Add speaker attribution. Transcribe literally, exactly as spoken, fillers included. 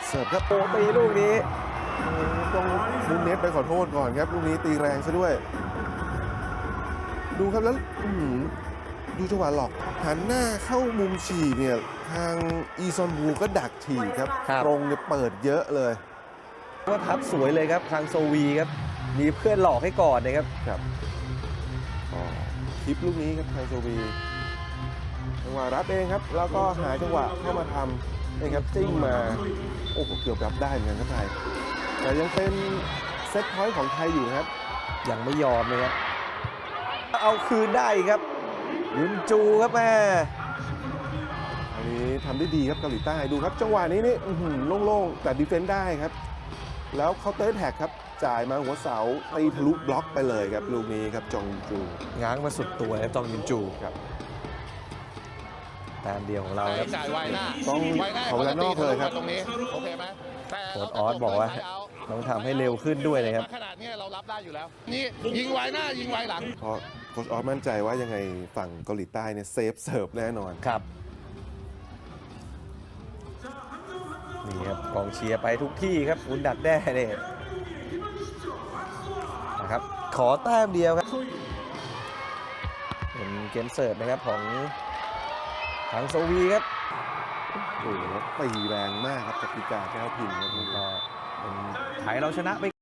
Speaker 1: เสิร์ฟครับโอ้ตีลูกนี้ต้องมุนเน็ตไปขอโทษก่อนครับลูกนี้ตีแรงซะด้วยดูครับแล้วดูจังหวะหลอกหันหน้าเข้ามุมฉีกเนี่ยทางอีซอนบูก็ดักฉีกครับตรงเนี่ยเปิดเยอะเลย
Speaker 2: ก็ทับสวยเลยครับทางโซวีครับมีเพื่อนหลอกให้ก่อนนะครับ
Speaker 1: ครับคลิปลูกนี้ครับทางโซวีจังหวะรับเองครับแล้วก็หาจังหวะเข้ามาทำเองครับจิ้งมาโอ้โหเกือบรับได้เหมือนกันครับไทยแต่ยังเป็นเซตพอยต์ของไทยอยู่ครับ
Speaker 2: ยังไม่ยอมเลยครับเอาคืนได้ครับยุนจูครับแม่
Speaker 1: อันนี้ทำได้ดีครับเกาหลีใต้ดูครับจังหวะนี้นี่โล่งๆแต่ดีเฟนซ์ได้ครับแล้วเขาเตอร์แท็กครับจ่ายมาหัวเสาตีทะลุบล็อกไปเลยครับลูกนี้ครับจองจู
Speaker 2: ง้างมาสุดตัวครับจองยุนจู
Speaker 1: ครับ
Speaker 2: แต้มเดียวของเราครับ
Speaker 3: จ่ายไวหน้า
Speaker 1: ต้องขอเวลานอกเลยครับ
Speaker 3: ตรงนี้โอเคไหม
Speaker 2: โค้ชออสบอกว่าต้องทำให้เร็วขึ้นด้วยเลยครับ
Speaker 3: ขนาดนี้เรารับได้อยู่แล้วนี่ยิงไวหน้ายิงไวหลัง
Speaker 1: เพราะโค้ชออสมั่นใจว่ายังไงฝั่งเกาหลีใต้เนี่ยเซฟเสิร์ฟแน่นอน
Speaker 2: ครับนี่ครับกองเชียร์ไปทุกที่ครับอุนดักแด้เนี่ยนะครับขอแต้มเดียวครับเป็นเกมเสิร์ฟนะครับของทางโซวีครับ
Speaker 1: โอ้โหตีแรงมากครับกติกาแก้วพินครับ
Speaker 2: ก็เป็นไทยเราชนะไป